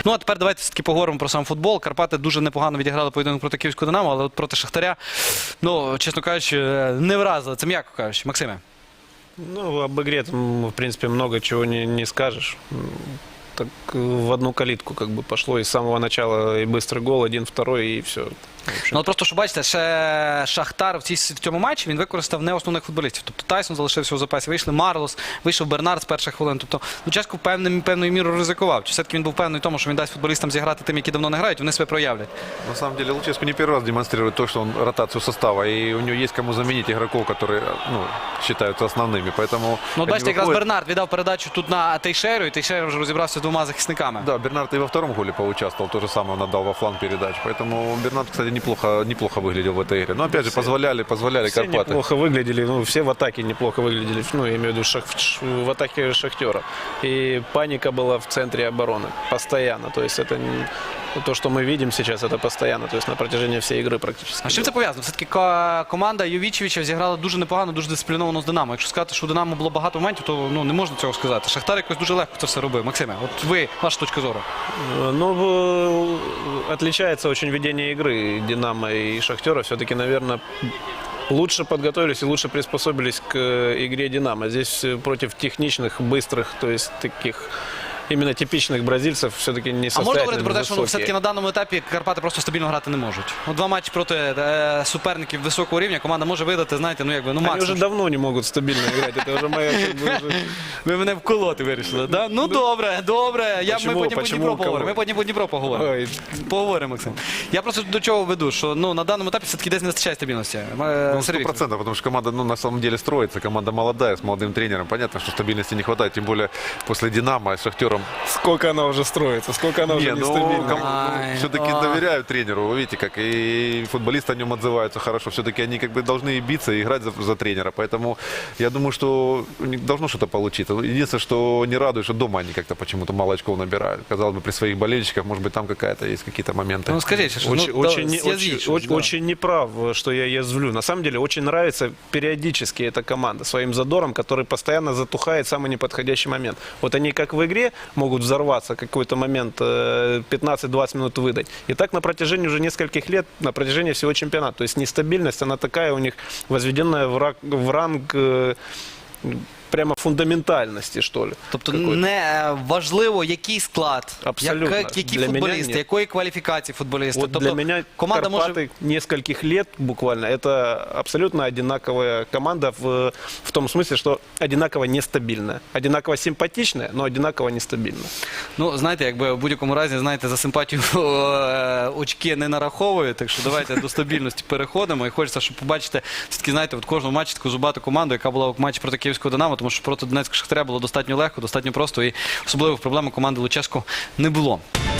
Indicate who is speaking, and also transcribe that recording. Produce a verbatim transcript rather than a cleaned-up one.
Speaker 1: Ну, а тепер давайте все-таки поговоримо про сам футбол. Карпати дуже непогано відіграли поєдинок проти Київського Динамо, але от проти Шахтаря, ну, чесно кажучи, не вразили. Це м'яко кажучи. Максиме.
Speaker 2: Ну, об игре там, в принципе, много чего не, не скажешь. Так в одну калитку как бы пошло, и с самого начала и быстрый гол, один, второй, и все.
Speaker 1: Ну, от просто, що бачите, ще Шахтар в, цій, в цьому матчі, він використав не основних футболістів. Тобто Тайсон залишився у запасі, вийшли Марлос, вийшов Бернард з перших хвилин. Тобто Луческу певною, певною мірою ризикував. Чи все-таки він був певний в тому, що він дасть футболістам зіграти тим, які давно не грають, вони себе проявлять?
Speaker 3: На самом деле Луческу не первый раз демонстрирует то, что он ротацию состава, и у него есть кому заменить игроков, которые, ну, считаются основными, поэтому...
Speaker 1: Ну, бачите, якраз
Speaker 3: выходит...
Speaker 1: Бернард віддав передачу тут на Тейшеру, і Тейшера вже розібрався з двома захисниками.
Speaker 3: Да, Бернард и во втором голе поучаствовал, то же самое он отдал во фланг передач, поэтому Бернард, кстати, неплохо, неплохо выглядел в этой игре. Но опять же,
Speaker 2: Все,
Speaker 3: позволяли, позволяли
Speaker 2: все
Speaker 3: Карпаты.
Speaker 2: неплохо выглядели, ну, все в атаке неплохо выглядели, ну, я имею в виду шах, в атаке Шахтера. И паника была в центре обороны, постоянно, то есть это не... То, что мы видим сейчас, это постоянно, то есть на протяжении всей игры практически.
Speaker 1: А з чим це пов'язано? Все-таки ко- команда Йовічевича зіграла дуже непогано, дуже дисципліновано з Динамо. Якщо сказати, що у Динамо було багато моментів, то ну, не можна цього сказати. Шахтар якось дуже легко це все робив. Максиме, от ви, ваша точка зору.
Speaker 2: Ну, в- отличается очень ведение игры Динамо и Шахтера. Все-таки, наверное, лучше подготовились и лучше приспособились к игре Динамо. Здесь против техничных, быстрых, то есть таких... Именно типичных бразильцев все-таки не
Speaker 1: А можна
Speaker 2: состоятельны,
Speaker 1: говорити про те, що ну, все-таки
Speaker 2: высокие.
Speaker 1: на даному етапі Карпати просто стабільно грати не можуть? От два матчі проти е, суперників високого рівня команда може видати, знаєте, ну якби, ну
Speaker 2: Они
Speaker 1: максимум.
Speaker 2: уже давно не могут стабильно играть. Это уже моя... как бы, уже-
Speaker 1: Ви мене вколоти вирішили, да? Ну добре, добре. Я, ми
Speaker 2: Почему?
Speaker 1: потім по
Speaker 2: Почему?
Speaker 1: Дніпро поговоримо.
Speaker 2: Кого?
Speaker 1: Ми потім по Дніпро поговоримо.
Speaker 2: Ой,
Speaker 1: Поговоримо, Максим. Я просто до чого веду, що ну, на даному етапі все-таки десь не вистачає стабільності. Е,
Speaker 3: Ну,
Speaker 1: Сергій
Speaker 3: сто
Speaker 1: Вікторович.
Speaker 3: процентов, потому что команда, ну, на самом деле строится, команда молодая, с молодым тренером. Понятно, что стабильности не хватает, тем более после Динамо с Шахтером.
Speaker 2: Сколько она уже строится, сколько она уже
Speaker 3: Не, ну,
Speaker 2: нестабильна.
Speaker 3: ком-
Speaker 1: Ай,
Speaker 3: все-таки
Speaker 1: а.
Speaker 3: доверяют тренеру, вы видите, как и футболисты о нем отзываются хорошо. Все-таки они как бы должны и биться, и играть за, за тренера. Поэтому я думаю, что у них должно что-то получиться. Единственное, что не радует, что дома они как-то почему-то мало очков набирают. Казалось бы, при своих болельщиках, может быть, там какая-то есть какие-то моменты.
Speaker 1: Ну скажіть, що
Speaker 2: Очень,
Speaker 1: ну,
Speaker 2: очень,
Speaker 1: да,
Speaker 2: не-
Speaker 1: з'язвіть
Speaker 2: очень,
Speaker 1: щось,
Speaker 2: очень,
Speaker 1: да.
Speaker 2: очень неправ, что я язвлю. На самом деле, очень нравится периодически эта команда своим задором, который постоянно затухает в самый неподходящий момент. Вот они как в игре могут взорваться какой-то момент, э, пятнадцать-двадцать минут выдать. И так на протяжении уже нескольких лет, на протяжении всего чемпионата. То есть нестабильность, она такая у них возведенная в, ра- в ранг э, прямо фундаментальности, что ли.
Speaker 1: Тобто
Speaker 2: какой-то.
Speaker 1: не е, важливо, який склад,
Speaker 2: Абсолютно.
Speaker 1: яка- які
Speaker 2: Для мене
Speaker 1: футболісти,
Speaker 2: ні.
Speaker 1: якої кваліфікації футболісти.
Speaker 2: Вот
Speaker 1: тобто
Speaker 2: для меня
Speaker 1: команда
Speaker 2: Карпаты
Speaker 1: може...
Speaker 2: нескольких лет буквально это абсолютно одинаковая команда в, в том смысле, что одинаково нестабильная. Одинаково симпатичная, но одинаково нестабильная.
Speaker 1: Ну, знаєте, якби в будь-якому разі, знаєте, за симпатію е, очки не нараховують, так що давайте до стабільності переходимо. І хочеться, щоб побачити, все-таки, знаєте, от кожного матчі таку зубату команду, яка була в матчі проти Київського Динамо, тому що проти Донецького Шахтаря було достатньо легко, достатньо просто, і особливих проблем у команди Луческу не було.